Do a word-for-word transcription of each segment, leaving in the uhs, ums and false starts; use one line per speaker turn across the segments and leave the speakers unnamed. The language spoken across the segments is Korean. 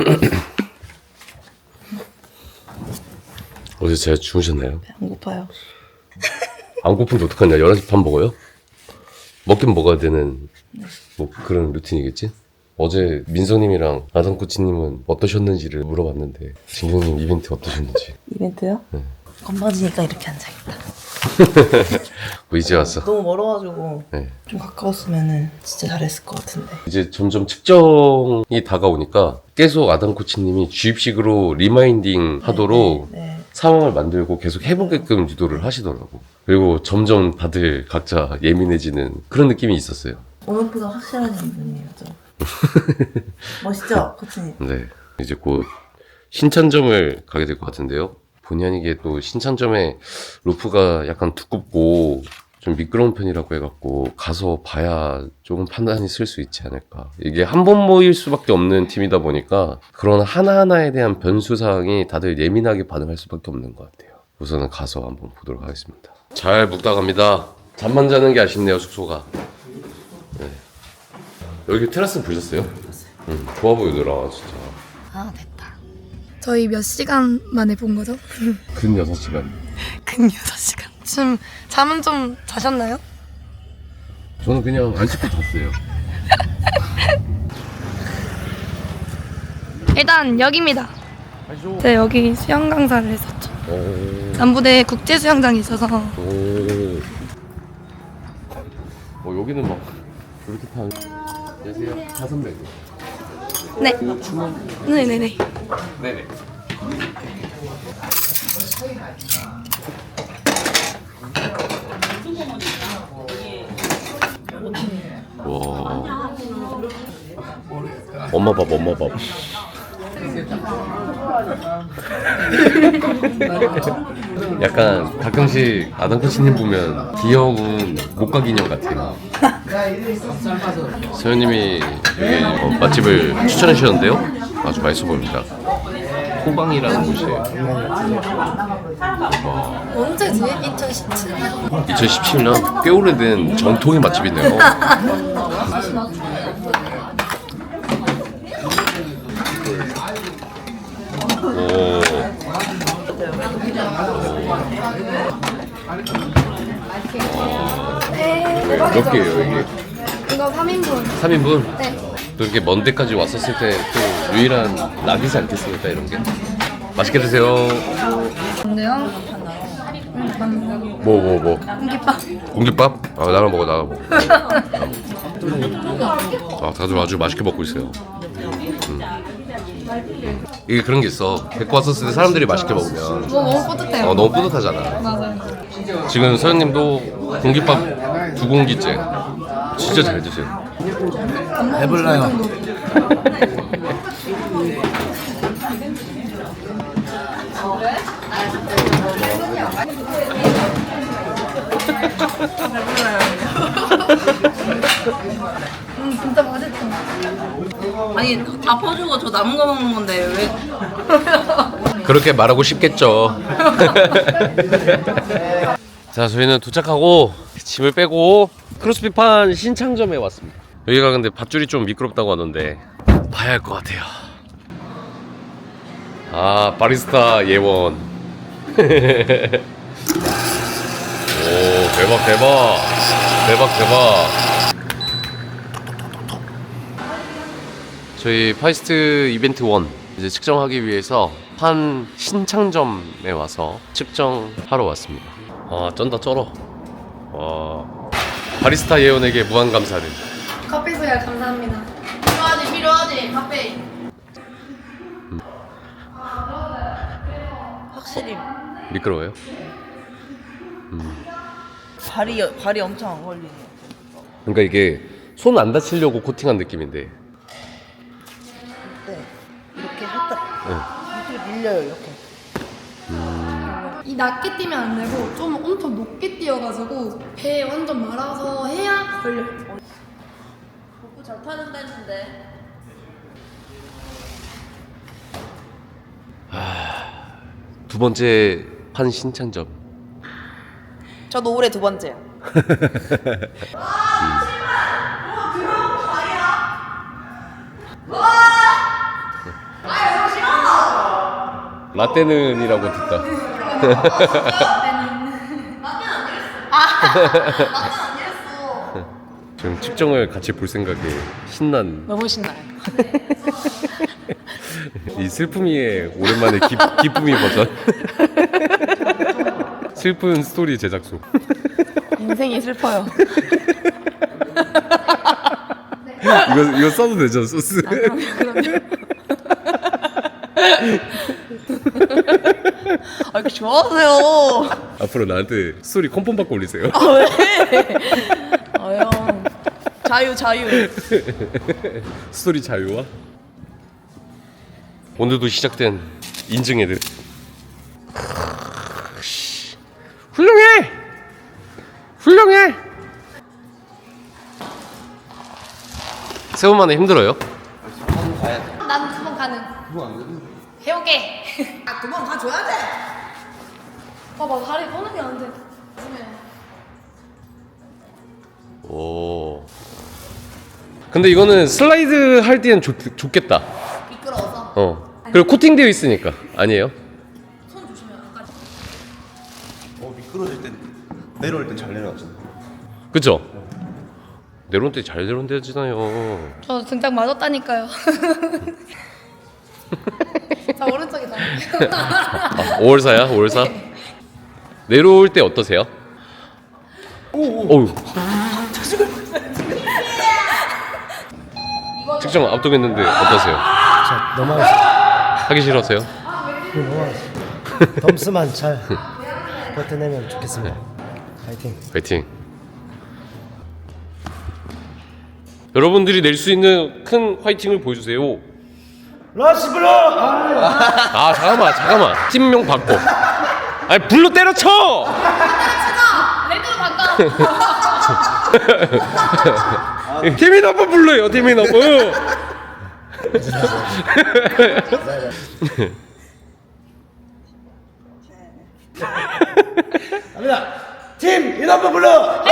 어제 잘 주무셨나요?
안 고파요.
안 고픈데 어떡하냐? 열한 시 밥 먹어요? 먹긴 먹어야 되는 뭐 그런 루틴이겠지? 어제 민서님이랑 아담코치님은 어떠셨는지를 물어봤는데 진경님 이벤트 어떠셨는지.
이벤트요?
네.
건방지니까 이렇게 앉아있다.
뭐 이제 왔어.
너무 멀어가지고
네.
좀 가까웠으면은 진짜 잘했을 것 같은데.
이제 점점 측정이 다가오니까 계속 아담코치님이 주입식으로 리마인딩 하도록
네, 네.
상황을 만들고 계속 해보게끔 유도를 하시더라고. 그리고 점점 다들 각자 예민해지는 그런 느낌이 있었어요.
오늘보다 확실한 분이에요. 멋있죠, 코치님?
네. 이제 곧 신천점을 가게 될 것 같은데요. 본의 아니게 또 신천점에 로프가 약간 두껍고 좀 미끄러운 편이라고 해갖고 가서 봐야 조금 판단이 쓸 수 있지 않을까. 이게 한 번 모일 수밖에 없는 팀이다 보니까 그런 하나하나에 대한 변수사항이 다들 예민하게 반응할 수밖에 없는 것 같아요. 우선은 가서 한번 보도록 하겠습니다. 잘 묵다 갑니다. 잠만 자는 게 아쉽네요, 숙소가. 네. 여기 테라스 보셨어요? 응, 좋아 보이더라, 진짜.
아 됐다. 저희 몇 시간 만에 본 거죠?
근 여섯 시간.
근 여섯 시간. 지금 잠은 좀 자셨나요?
저는 그냥 안 씻고 잤어요.
일단 여기입니다. 네, 여기 수영 강사를 했었죠.
오.
남부대 국제 수영장이 있어서.
오. 어, 여기는 막 이렇게 다. 안녕하세요. 다섯 명.
네. 네네네.
네네. 와. 엄마 밥, 엄마 밥. 약간 가끔씩 아담코치님 보면 귀여운 목각 인형 같아요. 서현님이 여기 어, 맛집을 추천해 주셨는데요. 아주 맛있어 보입니다. 호방이라는 곳이에요.
언제지? 이천십칠 년.
이천십칠 년 꽤 오래된 전통의 맛집이네요. 오.
네.
몇 개예요 이게?
이거 삼 인분.
삼 인분?
네.
또 이렇게 먼 데까지 왔었을 때 또 유일한 낙이지 않겠습니까 이런 게? 맛있게 드세요.
근데요?
뭐 뭐 뭐?
공깃밥.
공깃밥? 아 나랑 먹어 나랑 먹어. 아 다들 아주 맛있게 먹고 있어요. 음. 이게 그런 게 있어. 데리고 왔었을 때 사람들이 맛있게 먹으면
뭐 너무 뿌듯해요.
어, 너무 뿌듯하잖아.
맞아요.
지금 서현님도 공깃밥 두 공기째 진짜 잘 드세요.
해볼래요.
음 진짜 맛있어.
아니, 다 퍼주고 저 남은 거 먹는 건데 왜?
그렇게 말하고 싶겠죠. 자, 저희는 도착하고 짐을 빼고 크로스핏판 신창점에 왔습니다. 여기가 근데 밧줄이 좀 미끄럽다고 하던데 봐야 할 것 같아요. 아, 바리스타 예원. 오, 대박 대박 대박 대박. 저희 파이스트 이벤트 일 이제 측정하기 위해서 한 신창점에 와서 측정하러 왔습니다. 아, 쩐다 쩔어. 와, 바리스타 예원에게 무한 감사를.
커피 소야 감사합니다.
필요하지, 필요하지, 카페. 확실히
미끄러워요?
발이 발이 엄청 안 걸리네요.
그러니까 이게 손 안 다치려고 코팅한 느낌인데.
네, 이렇게 살짝 이렇게 밀려요, 이렇게.
이 낮게 뛰면 안 되고 좀 엄청 높게 뛰어가지고 배에 완전 말아서 해야 걸려.
복부 잘 타는다 했는데.
두 번째 판 신창점.
저도 올해 두 번째요.
라떼는이라고 듣다.
라떼는 안 이랬어. 아, 라떼는 안 이랬어.
지금 측정을 같이 볼 생각에 신난
너무 신나요.
이 슬픔이의 오랜만에 기, 기쁨이 버전. 슬픈 스토리 제작소.
인생이 슬퍼요.
이거 이거 써도 되죠 소스.
아, 이렇게 좋아하세요.
앞으로 나한테 스토리 컨펌 받고 올리세요.
아, 왜? 아유, 자유, 자유.
스토리 자유와 오늘도 시작된 인증 애들. 훌륭해, 훌륭해. 세번만에 힘들어요?
난 두 번 가능. 해오게.
아, 두 번 가줘야 돼.
봐봐, 다리 꺼는 게 안 돼.
오. 근데 이거는 슬라이드 할 때는 좋, 좋겠다.
미끄러워서.
어. 그리고 코팅되어 있으니까. 아니에요?
손 조심해요. 아까
어 미끄러질 땐 내려올 땐 잘 내려가잖아.
그죠? 내려온 때 잘 내려온대잖아요.
저 등짝 맞았다니까요. 자, 오른쪽이다.
아, 오월사야? 오월사? 내려올 때 어떠세요? 오우. 측정 압도했는데 어떠세요?
자, 넘어가겠습니다.
하기 싫으세요?
네, 넘어가겠습니다. 덤스만 잘 버텨내면 좋겠습니다. 파이팅.
파이팅. 여러분들이 낼 수 있는 큰 화이팅을 보여주세요.
러시블러! 아,
아 잠깐만 잠깐만 팀명 바꿔. 아니 불로 때려쳐.
레드로 바꿔.
팀이 너무 불러요. 팀이 너무.
갑니다. 팀 이너프 불러!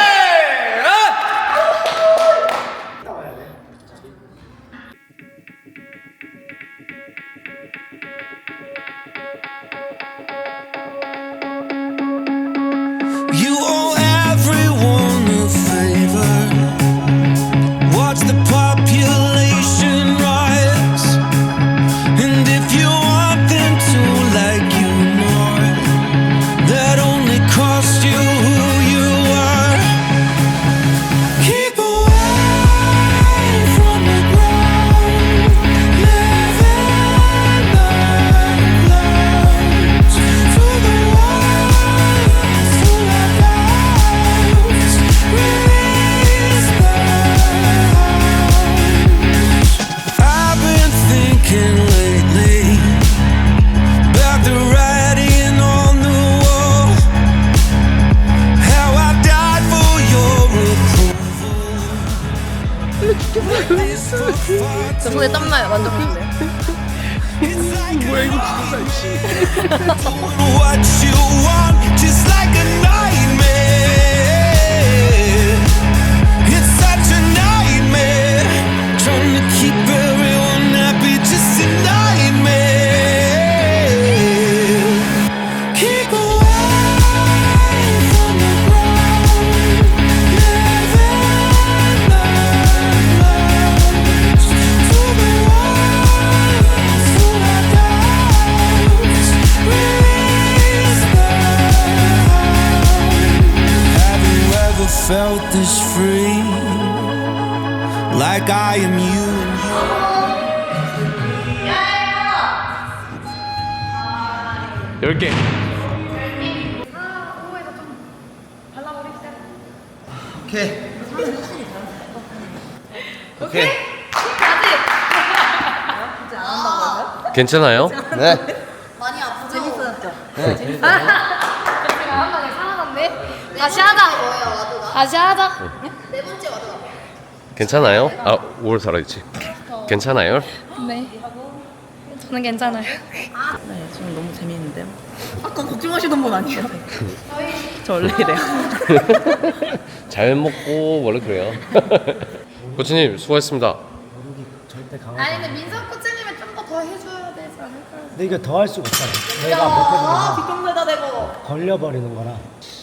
You owe everyone a favor. Watch the population rise. And if you want them to like you more, that only cost you who you are. Keep away from the ground. Live in the clouds. For the ones who have doubts, release the hounds. I've been thinking lately about the writing on the wall. How I died for your approval.
저 손에 땀나요. 만져보실래요?
뭐야 이거 진짜 What you want, just like a nightmare. It's such a nightmare. Trying to keep everyone happy, just a nightmare. Keep away from the ground. Live in the clouds. To the ones who have doubts, release the hound. Have you ever felt this free? Like I am you and you.
열 개.
오케이. 오케이.
괜찮아요?
네.
많이 아프죠? 재밌었죠?
한 방에 살아났네. 다시 하자. 다시 하자.
네 번째 와드가.
괜찮아요? 아 오월 살아있지. 괜찮아요?
네. 저는 괜찮아요.
네, 지금 너무 재미있는데요? 아까 걱정하시던 분 아니에요? 저 원래 이래요.
잘 먹고 원래 그래요. 코치님 수고하셨습니다.
무릎이 절대 강하지
아니
않아요.
근데 민석 코치님은 좀 더 더 해줘야 되지 않을까요?
근데 이거 더 할 수가 없잖아. 내가 못해보면
뒷동네다 대고.
걸려버리는 거라.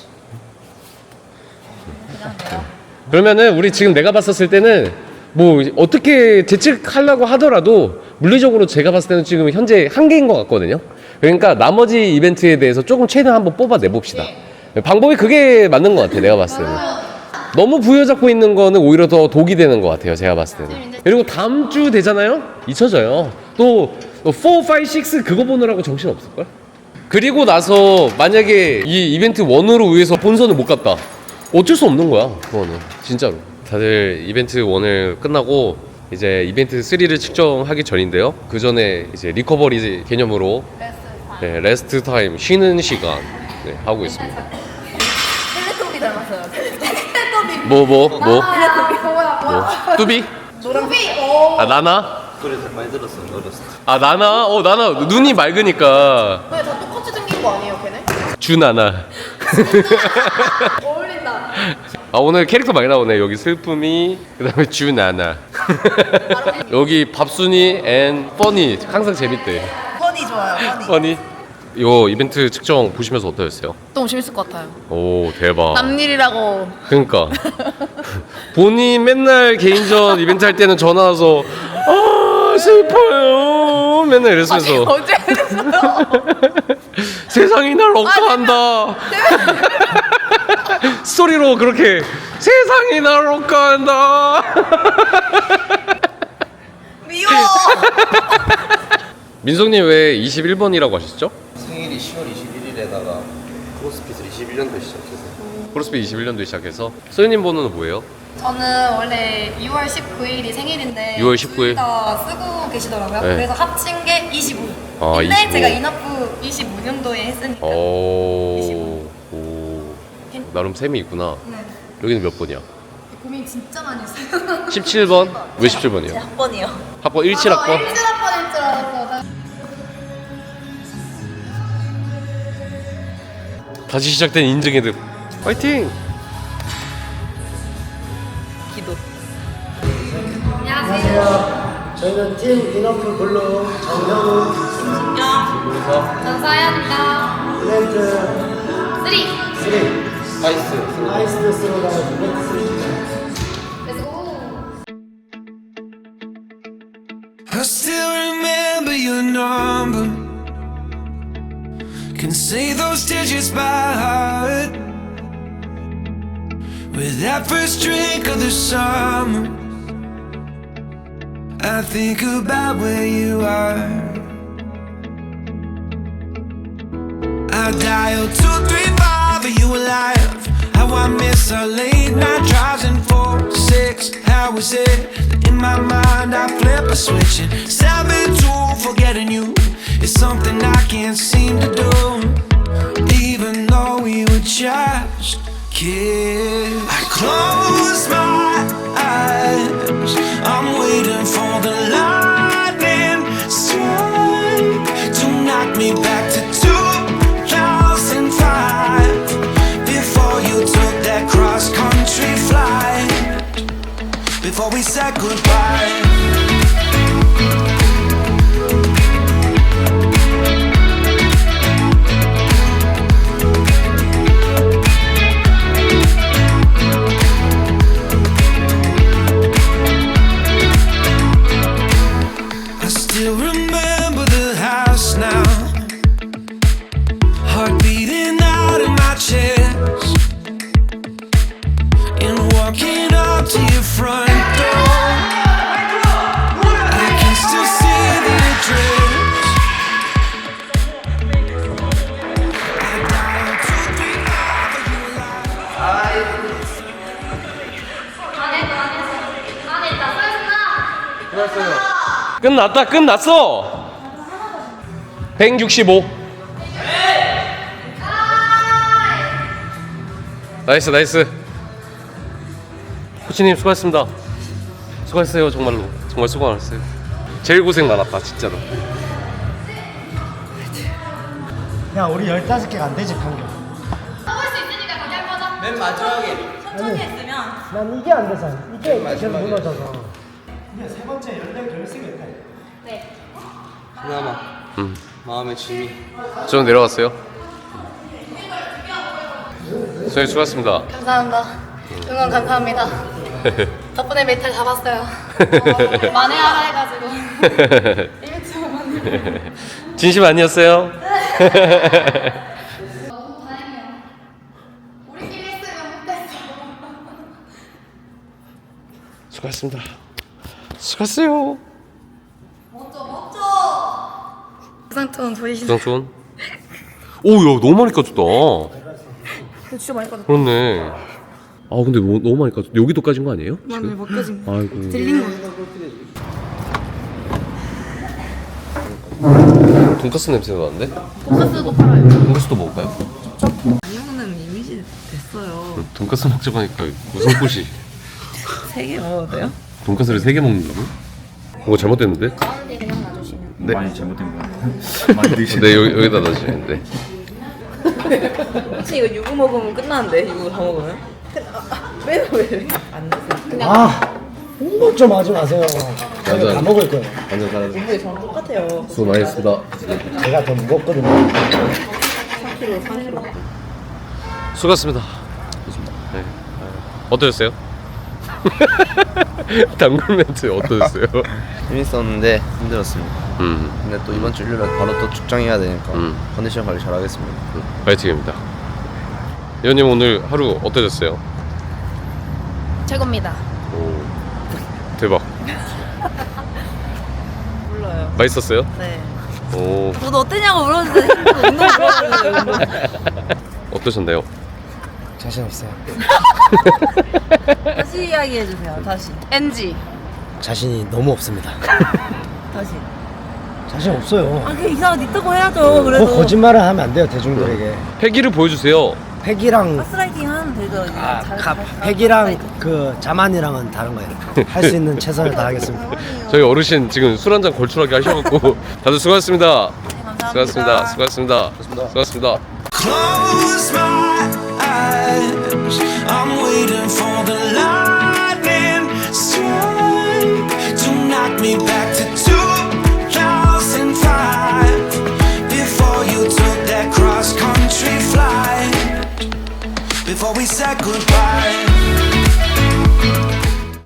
그러면은 우리 지금 내가 봤었을 때는 뭐 어떻게 재측하려고 하더라도 물리적으로 제가 봤을 때는 지금 현재 한계인 것 같거든요. 그러니까 나머지 이벤트에 대해서 조금 최대한 한번 뽑아내 봅시다. 방법이 그게 맞는 것 같아, 내가 봤을 때는. 너무 부여잡고 있는 거는 오히려 더 독이 되는 것 같아요, 제가 봤을 때는. 그리고 다음 주 되잖아요? 잊혀져요. 또 사, 오, 육 그거 보느라고 정신 없을걸? 그리고 나서 만약에 이 이벤트 일으로 위해서 본선을 못 갔다, 어쩔 수 없는 거야, 그거는. 진짜로. 다들 이벤트 일을 끝나고 이제 이벤트 삼를 측정하기 전인데요. 그 전에 이제 리커버리 개념으로 네, 레스트 타임, 쉬는 시간 네, 하고 있습니다.
텔레토비 닮았어요. 텔레토비.
뭐, 뭐, 뭐?
텔레토비. 뭐야,
뭐? 뚜비?
노랑비! 오!
아, 나나?
그래 많이 들었어 어렸을 때.
아, 나나? 어, 나나. 눈이 맑으니까.
왜 다 똑같이 생긴 거 아니에요, 걔네?
주나나.
어울린다.
아, 오늘 캐릭터 많이 나오네. 여기 슬픔이, 그 다음에 주나나. 여기 밥순이 앤 퍼니. 항상 재밌대.
허니 좋아요, 허니.
퍼니. 이거 이벤트 측정 보시면서 어떠셨어요?
너무 재밌을 것 같아요.
오, 대박.
남일이라고.
그러니까 본인 맨날 개인전 이벤트 할 때는 전화 와서 아 슬퍼요 맨날 이랬으면서
언제 그랬어요?
세상이 날 억까한다 스토리로 그렇게 세상이 날 억까한다
미워.
민성님 왜 이십일 번이라고 하셨죠?
생일이 시월 이십일일에다가 크로스핏을 이십일 년도에 시작해서
크로스핏 이십일 년도에 시작해서 소연님 번호는 뭐예요?
저는 원래 유월 십구일이 생일인데
유월 십구일?
둘다 쓰고 계시더라고요.
네.
그래서 합친 게 이십오.
아,
근데
이십오.
제가 인업부 이십오 년도에 했으니까.
오, 오 나름 셈이 있구나.
네.
여기는 몇 번이야?
고민 진짜 많이 했어요.
십칠 번? 왜 십칠 번이요?
제 학번이요.
학번 일칠 학번?
일칠 학번일 줄 알았어.
다시 시작된 인증의 득 파이팅!
기도.
안녕하세요.
저희는 팀 이너프 블루 정현우
전 사연입니다.
이벤트
쓰리.
삼
아이스
아이스 스로가 이벤트 삼.
렛츠고.
I still remember your number. Can say those digits by heart. With that first drink of the summer, I think about where you are. I dial two three five, are you alive? How I miss our late night drives in four, six. How was it? In my mind I flip a switch and seven two, forgetting you is something I can't seem to do. Even though we were just kids, I close my eyes, I'm waiting for the lightning strike to knock me back to two thousand five, before you took that cross-country flight, before we said goodbye. I still remember the house now, heart beating out in my chest, and walking up to your front door, I can still see the address. I dialed two three five, are you alive?
끝났다 끝났어 백육십오 나이스 나이스 코치님 수고하셨습니다 수고했어요 정말로 정말 수고 많았어요 제일 고생 많았다 진짜로
야 우리 열다섯 개가 안 되지 평균.
써볼 수 있으니까 거기 한 거죠.
맨 마지막에
천천히 했으면.
난 이게 안 돼서 이게 계속 무너져서. 근데 세 번째 열네 개를 쓰겠다.
네.
그나마
음.
마음의 짐이.
좀 내려갔어요? 선생님 수고하셨습니다.
감사합니다. 응원 감사합니다. 덕분에 메탈 잡았어요. 어, 만회하라 해가지고. 일주일 만에.
진심 아니었어요?
너무 다행이야. 우리끼리 했으면 못했어.
수고하셨습니다. 수고하세요.
멋져 멋져. 부상톤 보이시나요?
부상촌. 오야 너무 많이 까졌다.
진짜 많이 까졌다.
그렇네. 아 근데 너무, 너무 많이 까졌. 여기도 까진 거 아니에요?
많이 못 까진 거.
아이고.
들린 거.
돈까스 냄새가 나는데?
돈가스도 팔아요.
돈까스도 먹을까요?
많이 먹는 이미지 됐어요.
돈까스 먹자고 하니까 무슨 꽃이?
세 개 먹어도 돼요?
돈까스를 세 개 먹는다고? 뭔가 잘못됐는데?
가운데 그냥 놔주시면.
네.
많이 잘못된 거야. 많이 드시.
네 여기, 여기다 넣으시는데.
혹시 이거 유부 먹으면 끝나는데 유부 다 먹으면? 왜왜안 드세요?
아, 홍보 좀 하지 마세요. 제가
맞아.
다 먹을 거예요.
완전 잘하죠.
근데 저랑 똑같아요.
수고 많이 했습니다.
제가 더 무겁거든요.
삼 킬로그램, 삼 킬로그램.
수고하셨습니다. 네. 어떠셨어요? 단골 멘트 어떠셨어요?
재밌었는데 힘들었습니다.
음,
근데 또 이번 주 일요일에 바로 또 축장해야 되니까
음.
컨디션 관리 잘하겠습니다.
파이팅입니다. 의원님 오늘 하루 어떠셨어요?
최고입니다.
오, 대박.
몰라요.
맛있었어요?
네.
오,
저도 어땠냐고 물었는데 운동 물어보는데
어떠셨나요?
자신 없어요.
다시 이야기해 주세요. 다시.
엔지.
자신이 너무 없습니다.
다시.
자신 없어요.
아, 그 이상한 있다고 해야죠. 그래도.
뭐 거짓말을 하면 안 돼요, 대중들에게.
패기를 보여주세요.
팩이랑
가스라이팅 하면 되죠. 이제.
아,
잘-
가,
잘-
팩이랑 그 자만이랑은 다른 거예요. 할 수 있는 최선을 다하겠습니다.
저희 어르신 지금 술 한잔 걸출하게 하셔갖고 다들 수고하셨습니다.
감사합니다.
수고하셨습니다. 수고하셨습니다. 수고하셨습니다.
Close my eyes. I'm waiting for the lightning strike to knock me back to two thousand five. Before you took that cross country flight. Before we said goodbye.